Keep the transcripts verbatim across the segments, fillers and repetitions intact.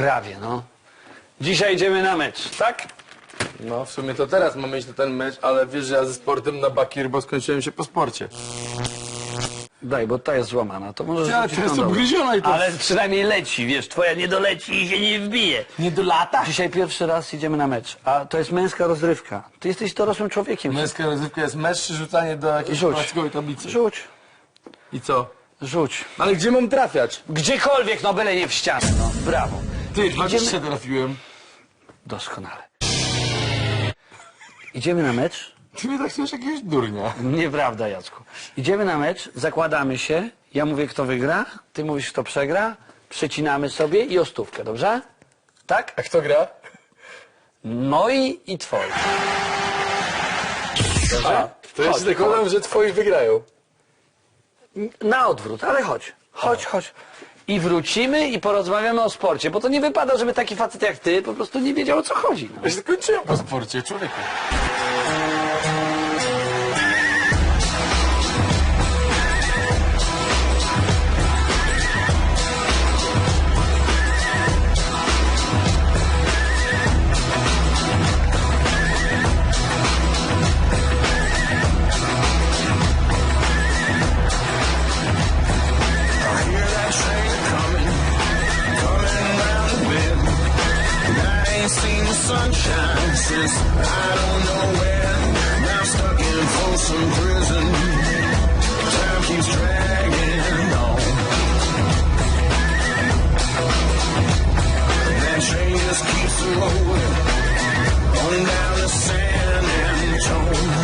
Prawie, no. Dzisiaj idziemy na mecz, tak? No, w sumie to teraz mamy iść na ten mecz, ale wiesz, że ja ze sportem na bakier, bo skończyłem się po sporcie. Daj, bo ta jest złamana, to możesz Ja, rzucić to jest tą dobrą. ugryziona i to... Ale przynajmniej leci, wiesz, twoja nie doleci i się nie wbije. Nie do lata? Dzisiaj pierwszy raz idziemy na mecz, a to jest męska rozrywka. Ty jesteś dorosłym człowiekiem. Męska rozrywka jest mecz czy rzucanie do jakiejś Rzuć. plastikowej tablicy? Rzuć, I co? rzuć. Ale gdzie mam trafiać? Gdziekolwiek, no byle nie w ścianę, no. Brawo. Ty, dwadzieścia trafiłem. Doskonale. Idziemy na mecz? Ty mnie tak chcesz jakiegoś durnia. Nieprawda, Jacku. Idziemy na mecz, zakładamy się, ja mówię, kto wygra, ty mówisz, kto przegra, przecinamy sobie i o stówkę, dobrze? Tak? A kto gra? Moi i twoi. A, to ja się zakładam, że twoi wygrają. Na odwrót, ale chodź, chodź, chodź. I wrócimy i porozmawiamy o sporcie, bo to nie wypada, żeby taki facet jak ty po prostu nie wiedział, o co chodzi. No. Ja się skończyłem po sporcie, człowieku. Sunshine since I don't know when. Now stuck in Folsom Prison. Time keeps dragging on. That train just keeps rolling on down to San Antone.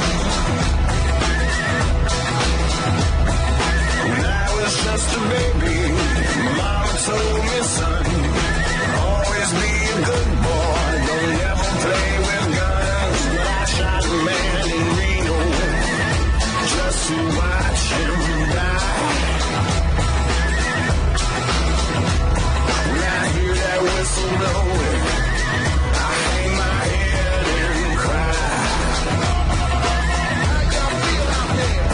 When I was just a baby, my mama told me, son, always be a good boy. Don't ever play with guns. I shot a man in Reno just to watch him die. When I hear that whistle blowing, I hang my head and cry. How y'all feel out there?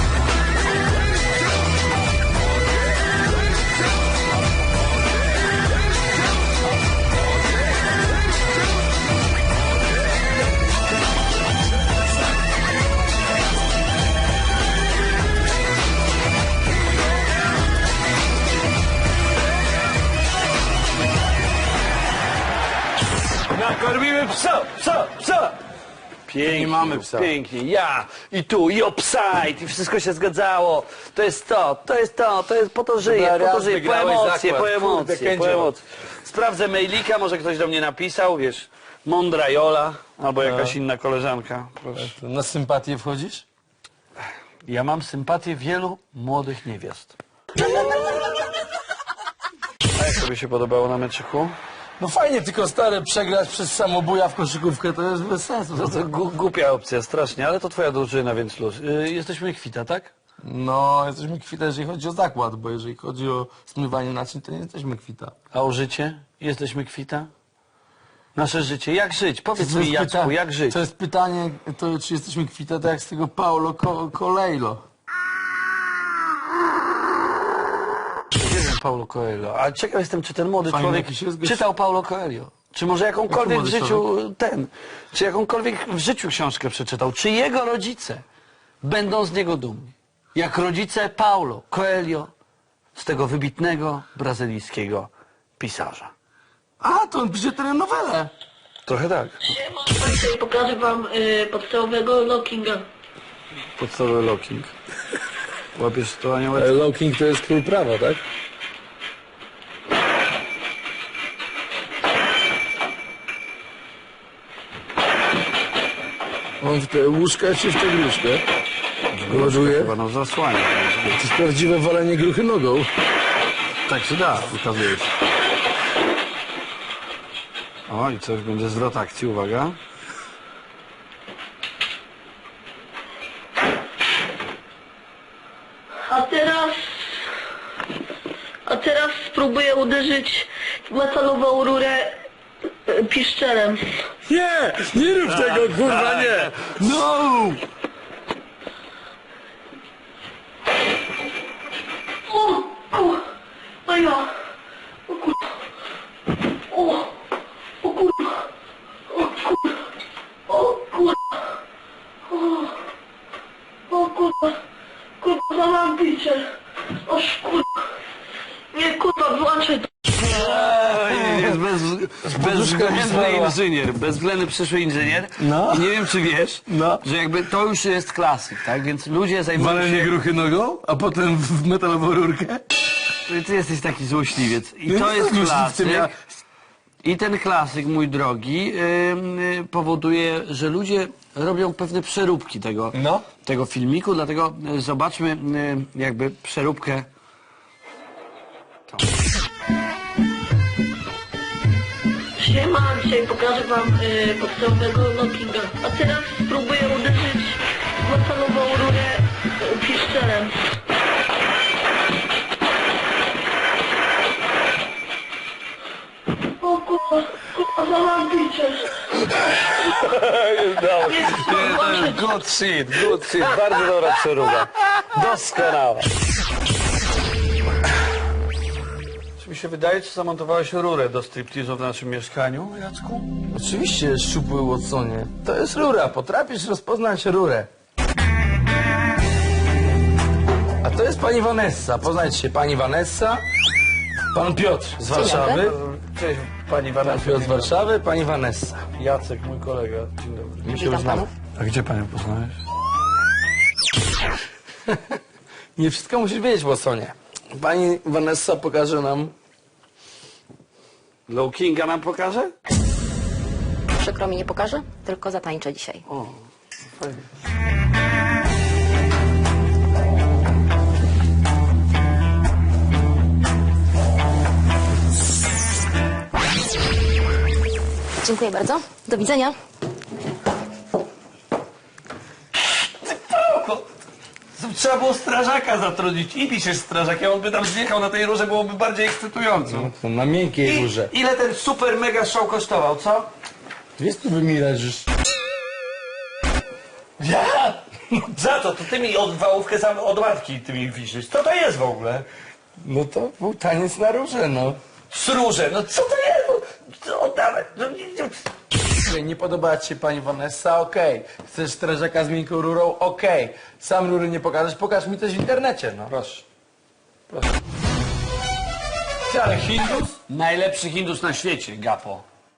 Nakormimy psa, psa, psa! Pięknie, Nie mamy psa. Pięknie, ja i tu, i obside, i wszystko się zgadzało. To jest to, to jest to, to jest po to żyję, Dobra, po to raz żyję, po wygrałeś emocje, zakład. po Kurde, emocje, po Kędzio. emocje. Sprawdzę mailika, może ktoś do mnie napisał, wiesz, mądra Jola, albo jakaś inna koleżanka. Proszę. Na sympatię wchodzisz? Ja mam sympatię wielu młodych niewiast. A jak tobie się podobało na meczyku? No fajnie, tylko stary, przegrać przez samobuja w koszykówkę to jest bez sensu. To, to gu- głupia opcja, strasznie, ale to twoja drużyna, więc luz. Yy, jesteśmy kwita, tak? No, jesteśmy kwita, jeżeli chodzi o zakład, bo jeżeli chodzi o zmywanie naczyń, to nie jesteśmy kwita. A o życie? Jesteśmy kwita? Nasze życie. Jak żyć? Powiedz To mi, jest Jacku, pyta- jak żyć? To jest pytanie, to czy jesteśmy kwita, tak jak z tego Paulo Co Coelho. Nie wiem, Paulo Coelho. Ale ciekaw jestem, czy ten młody Fajny człowiek jakiś jest gość. czytał Paulo Coelho. Czy może jakąkolwiek w młody życiu ten, czy jakąkolwiek w życiu książkę przeczytał. Czy jego rodzice będą z niego dumni. Jak rodzice Paulo Coelho, z tego wybitnego brazylijskiego pisarza. A, to on pisze telenowelę. Trochę tak. Dzisiaj pokażę wam y, podstawowego lockinga. Podstawowy locking. Łapiesz to aniołek? Low King to jest król prawa, tak? On w te łóżka czy w tę gruszkę? Ładuje. Chyba nam zasłania. To jest prawdziwe walenie gruchy nogą. Tak się da, ukazuje się. O, i coś będzie zwrot akcji, uwaga. A teraz... A teraz spróbuję uderzyć w metalową rurę y, piszczelem. Nie! Nie rób tego, kurwa, nie! No! O, o, no ja. O kur... O. kurwa, kurwa, mam bicie. Oż kurwa. Nie, kurwa, włączaj to. Jest bez, bezwzględny zmarła. inżynier, bezwzględny przyszły inżynier. No. I nie wiem, czy wiesz, No. że jakby to już jest klasyk, tak? Więc ludzie zajmują Walenie się... gruchy nogą, a potem w metalową rurkę. Ty jesteś taki złośliwiec. I Ja to nie jest jestem złośliwcem, klasyk. ja- I ten klasyk, mój drogi, ym, y, powoduje, że ludzie robią pewne przeróbki tego, No. tego filmiku, dlatego y, zobaczmy y, jakby przeróbkę. Siema, dzisiaj pokażę wam y, podstawowego lockinga. A teraz spróbuję uderzyć w metalową rurę y, piszczelem. O kurwa, kurwa, mam bicie. Nie, kurwa, włączaj to. Good shit, good shit. Bardzo dobra przeróba. Doskonała. Czy mi się wydaje, czy zamontowałeś rurę do striptizu w naszym mieszkaniu, Jacku? Oczywiście, szczupły Watsonie. To jest rura, potrafisz rozpoznać rurę. A to jest pani Vanessa. Poznajcie się, pani Vanessa, pan Piotr z Warszawy. Cześć, pani Pan Vanessa. Piotr z Warszawy, pani Vanessa. Jacek, mój kolega. Dzień dobry. My się już znamy. A gdzie panią poznałeś? Nie wszystko musisz wiedzieć, Watsonie. Pani Vanessa pokaże nam... Low Kinga nam pokaże? Przykro mi, nie pokażę, tylko zatańczę dzisiaj. O, fajnie. Dziękuję bardzo. Do widzenia. Trzeba było strażaka zatrudnić. I piszesz strażakiem, on by tam zjechał na tej rurze, byłoby bardziej ekscytująco. To na miękkiej I, górze. ile ten super mega show kosztował, co? Wiesz, tu mi leżysz. Ja? Za co? To ty mi od wałówkę sam od matki ty mi wisisz. Co to jest w ogóle? No to był taniec na róże, no. Sróże, no co to jest? No, oddawaj. No, nie, nie. Okej, nie podoba ci się pani Vanessa? Okej. Chcesz strażaka z miękką rurą? Okej. Sam rury nie pokażesz? Pokaż mi coś w internecie, no. Proszę. Proszę. Ty, ale Hindus? Najlepszy Hindus na świecie, Gapo.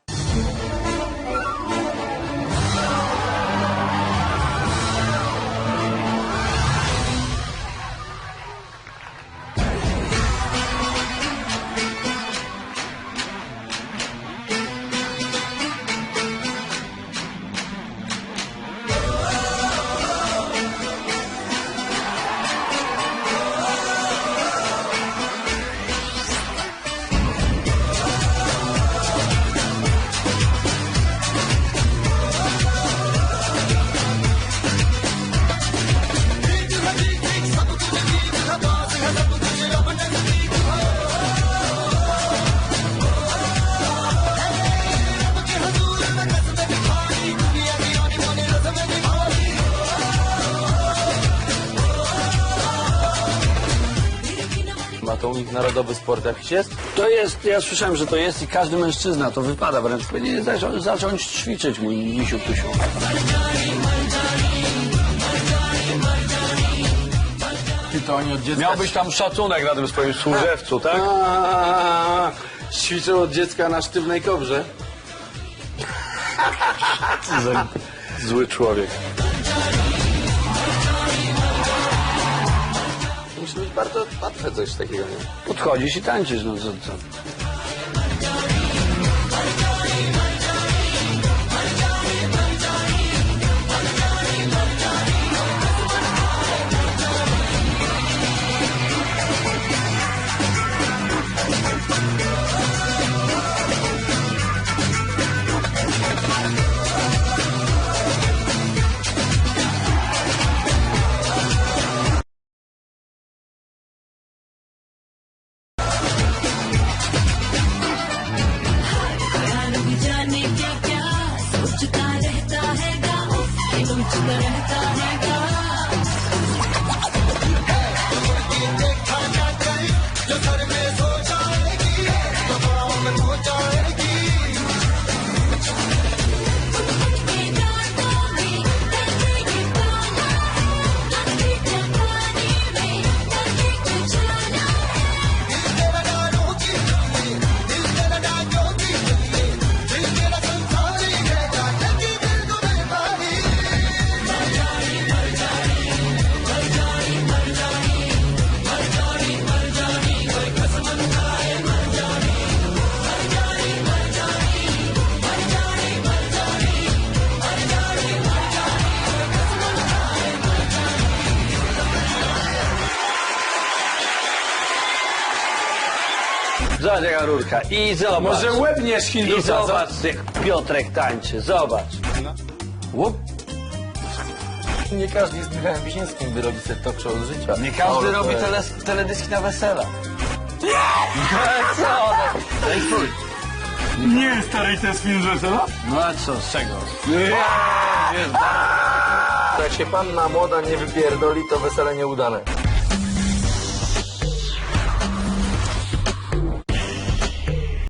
Ma to u nich narodowy sport jakiś jest? To jest, ja słyszałem, że to jest i każdy mężczyzna to wypada, wręcz powinien zacząć, zacząć ćwiczyć, mój misiu tusiu. Ty to oni od dziecka... Miałbyś tam szacunek na tym swoim służewcu, tak? A, ćwiczą od dziecka na sztywnej kobrze. Zły człowiek. Musi być bardzo łatwe coś takiego, nie? Podchodzisz i tańczysz, no co, co? Zobacz jaka rurka. I zobacz. Może łebniesz I Hindusa, co? zobacz jak Piotrek tańczy. Zobacz. Łup. Nie każdy jest Michałem Wiśniewskim, by robić sobie talk show z życia. Nie każdy O, robi to- tele, teledyski na wesela. Nie! Co? Daj twój. Nie, stary, to jest film z wesela? No a co, z czego? Jak się panna młoda nie wypierdoli, to wesele nieudane.